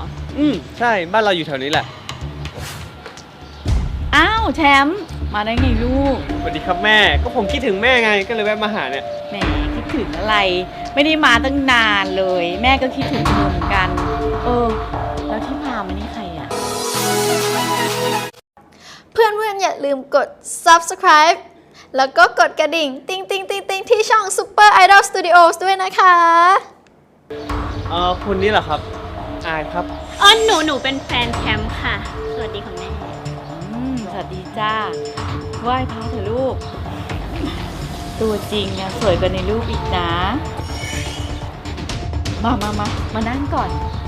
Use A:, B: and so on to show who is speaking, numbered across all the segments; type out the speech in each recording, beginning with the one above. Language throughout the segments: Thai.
A: ใช่บ้านเราอยู่แถวนี้แหละ
B: อ้าวแชมป์มาได้ไงลูก
A: สวัสดีครับแม่ก็ผมคิดถึงแม่ไงก็เลยแวะมาหาเนี่ย
B: แหมคิดถึงอะไร ไม่ได้มาตั้งนานเลย แม่ก็คิดถึงเธอเหมือนกัน แล้วที่พามานี่ใครอ่ะ
C: เพื่อนๆอย่าลืมกด subscribe แล้วก็กดกระดิ่ง ติ๊งติ๊งติ๊งติ๊งที่ช่อง Super Idol Studios ด้วยนะคะ
A: คุณนี่เหรอครับอายครับ
D: หนูเป็นแฟนแคมป์ค่ะ สวัสดีคุณแม่
B: สวัสดีจ้าไหว้พระเถอะลูก ตัวจริงเนี่ยสวยกว่าในรูปอีกนะ มานั่งก่อน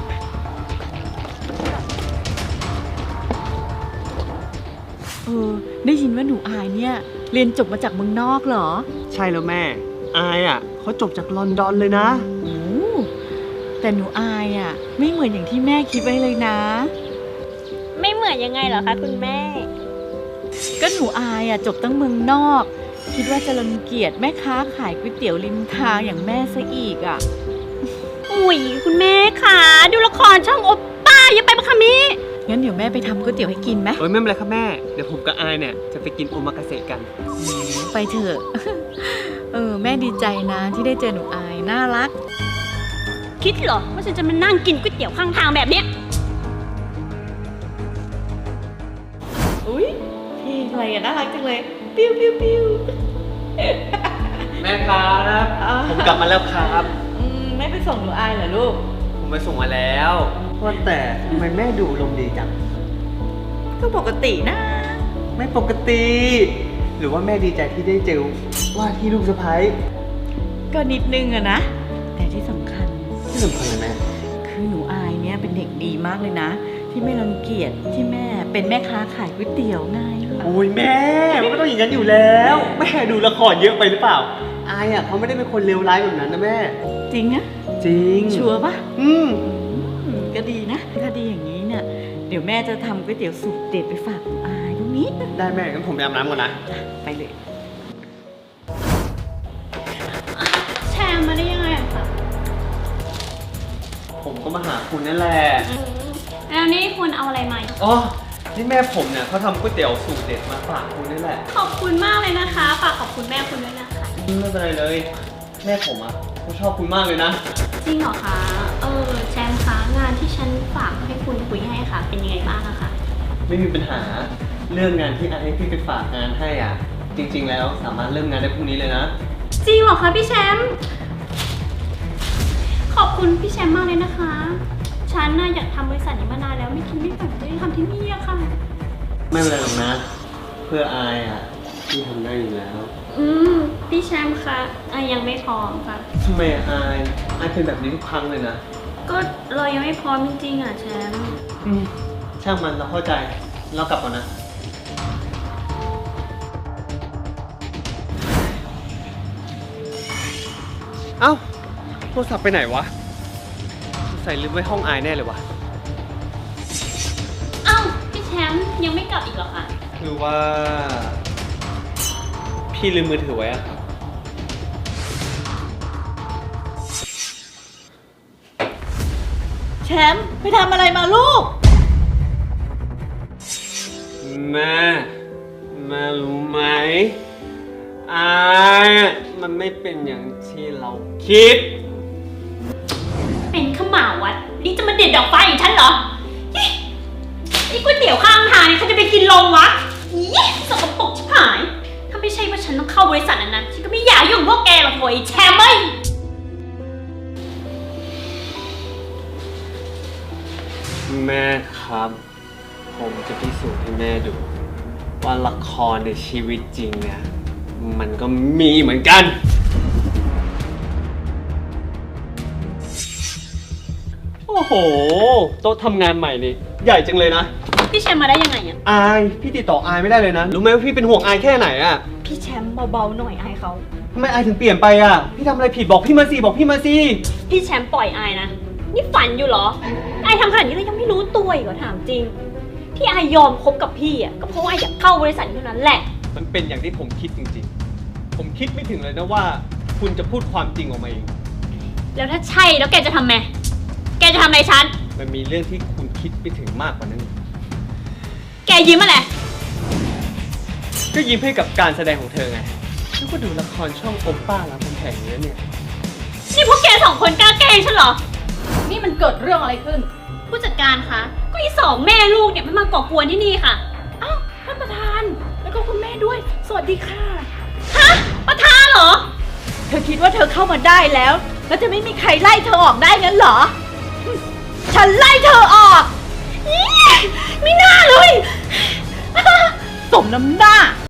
B: ได้ยินว่าหนูอายเนี่ย เรียนจบมาจากเมืองนอกเหรอ
A: ใช่แล้วแม่อายเขาจบจากลอนดอนเลยนะ
B: โอ้แต่หนูอายไม่เหมือนอย่างที่แม่คิดไว้เลยนะ
D: ไม่เหมือนยังไงเหรอคะคุณแม่
B: ก็หนูอายจบตั้งเมืองนอก คิดว่าจะรังเกียจแม่ค้าขายก๋วยเตี๋ยวริมทางอย่างแม่ซะอีก
D: อุ๊ยคุณแม่ค่ะดูละครช่องโอปป้าอย่าไปปะคะมิ
B: งั้นเดี๋ยวแม่ไปทำก๋วยเตี๋ยวให้กินไหม
A: ไม่เป็นไรครับแม่เดี๋ยวผมกับอายเนี่ยจะไปกินโอมากาเสะกัน
B: ไปเถอะ แม่ดีใจนะที่ได้เจอหนูอายน่ารัก
D: คิดเหรอว่าฉันจะมานั่งกินก๋วยเตี๋ยวข้างทางแบบเนี้ย
B: อุ๊ยเพลงอะไรน่ารักจังเลย ปิ้วปิ้วปิ้ว
A: แม่ครับผมกลับมาแล้วครับ
B: ไม่ไปส่งหนูอายเหรอลูก
A: ผมไปส่งมาแล้วว่าแต่ทำไมแม่ดูลมณ์ดีจัง
B: ก็ปกตินะ
A: ไม่ปกติ หรือว่าแม่ดีใจที่ได้เจอว่าที่ลูกสะใภ้
B: ก็นิดนึงนะ แต่ที่สำคัญ
A: ที่สำคัญเลยแม่
B: คือหนูอายเนี่ยเป็นเด็กดีมากเลยนะ ที่ไม่รังเกียจที่แม่เป็นแม่ค้าขายก๋วยเตี๋ยวไง
A: โอ้ยแม่มันก็ต้องอย่างนั้นอยู่แล้ว แม่ดูละครเยอะไปหรือเปล่าอายเขาไม่ได้เป็นคนเลวร้ายแบบนั้นนะแม่
B: จริงนะ
A: จริง
B: ชัวร์ปะ ก็ดีนะ ถ้าดีอย่างนี้เนี่ย เดี๋ยวแม่จะทำก๋วยเตี๋ยวสูตรเด็ดไปฝากหนูอายตรงนี้
A: ได้แม่งั้นผมไปอาบน้ำก่อนนะ
B: ไปเลย
D: แชร์มาได้ยังไงอะคะ
A: ผมก็มาหาคุณนั่นแหละ
D: แล้วนี่คุณเอาอะไรมา
A: อ๋อนี่แม่ผมเนี่ยเขาทำก๋วยเตี๋ยวสูตรเด็ดมาฝากคุณนี่แหละ
D: ขอบคุณมากเลยนะคะฝากขอบคุณแม่คุณด้วยนะคะ
A: ไม่เป็นไรเลย แม่ผมเขาชอบคุณมากเลยนะ
D: จริงเหรอคะแชมป์คะงานที่ฉันฝากให้คุณคุยให้ค่ะ เป็นยังไงบ้างอะคะ
A: ไม่มีปัญหาเรื่องงานที่ให้พี่ไปฝากงานให้จริง ๆ แล้วสามารถเริ่มงานได้พรุ่งนี้เลยนะ
D: จริงเหรอคะพี่แชมป์ขอบคุณพี่แชมป์มากเลยนะคะฉันน่ะอยากทำบริษัทนี้มานานแล้วไม่คิดไม่ฝันจะได้ทำที่นี่อะค่ะ
A: ไม่เป็นไรหรอกนะ เพื่ออายพี่ทำได้อยู่แล้ว
D: พี่แชมป์คะยังไม่พร้อมค่ะ
A: ทำไมอายเป็นแบบนี้ทุกครั้งเลยนะ
D: ก็เรายังไม่พร้อมจริงๆอะแชมป์
A: ช่างมันเราเข้าใจเรากลับก่อนนะ เอ้าโทรศัพท์ไปไหนวะใส่ลืมไว้ห้องอายแน่เลยวะ
D: เอ้าพี่แชมป์ยังไม่กลับอีกเหรอคะ
A: หรือว่า พี่ลืมมือถือไว้อะ
B: แชมป์ไปทำอะไรมาลูก
A: แม่รู้ไหมอายมันไม่เป็นอย่างที่เราคิด
D: เป็นขม่าวัดนี่จะมาเด็ดดอกไฟอย่างฉันเหรอไอ้ก๋วยเตี๋ยวข้างทางเนี่ยเขาจะไปกินลงวะสกปรกชิบหายถ้าไม่ใช่ว่าฉันต้องเข้าบริษัทนั้นนะฉันก็ไม่อยากยุ่งพวกแกหรอกโว้ยแชมป์เอ้ย
A: แม่ครับ ผมจะพิสูจน์ให้แม่ดู ว่าละครในชีวิตจริงเนี่ย มันก็มีเหมือนกัน โอ้โห โต๊ะทำงานใหม่นี่ ใหญ่จังเลยนะ
D: พี่แชมป์มาได้ยังไงอะ
A: อาย พี่ติดต่ออายไม่ได้เลยนะ รู้ไหมว่าพี่เป็นห่วงอายแค่ไหนอะ
D: พี่แชมป์เบาๆหน่อยอายเขา
A: ทำไมอายถึงเปลี่ยนไปพี่ทำอะไรผิดบอกพี่มาสิบอกพี่มาสิ
D: พี่แชมป์ปล่อยอายนะนี่ฝันอยู่เหรออายทำขนาดนี้แล้วยังไม่รู้ตัวอีกเหรอถามจริงที่อายยอมคบกับพี่อะก็เพราะว่าอายอยากเข้าบริษัทเท่านั้นแหละ
A: มันเป็นอย่างที่ผมคิดจริงๆ ผมคิดไม่ถึงเลยนะว่า คุณจะพูดความจริงออกมาเอง
D: แล้วถ้าใช่แล้วแกจะทำไงแกจะทำอะไรฉัน
A: มันมีเรื่องที่คุณคิดไปถึงมากกว่านั้น
D: แกยิ้มอะไร
A: ก็ยิ้มให้กับการแสดงของเธอไงแล้วก็ดูละครช่องโอป้ารามคำแหงเนี้ยเนี่ย
D: นี่พวกแกสองคนกล้าแกล้งฉันเหรอ
B: นี่มันเกิดเรื่องอะไรขึ้น
D: ผู้จัดการคะ ก็อีสองแม่ลูกเนี่ยมันมาก่อกวนที่นี่ค่ะ
B: อ้าวท่านประธาน แล้วก็คุณแม่ด้วย สวัสดีค่ะ
D: ฮะ ประธานเหรอ
B: เธอคิดว่าเธอเข้ามาได้แล้ว แล้วจะไม่มีใครไล่เธอออกได้งั้นเหรอ ฉันไล่เธอออก
D: ไม่น่าเลย
B: สมน้ำหน้า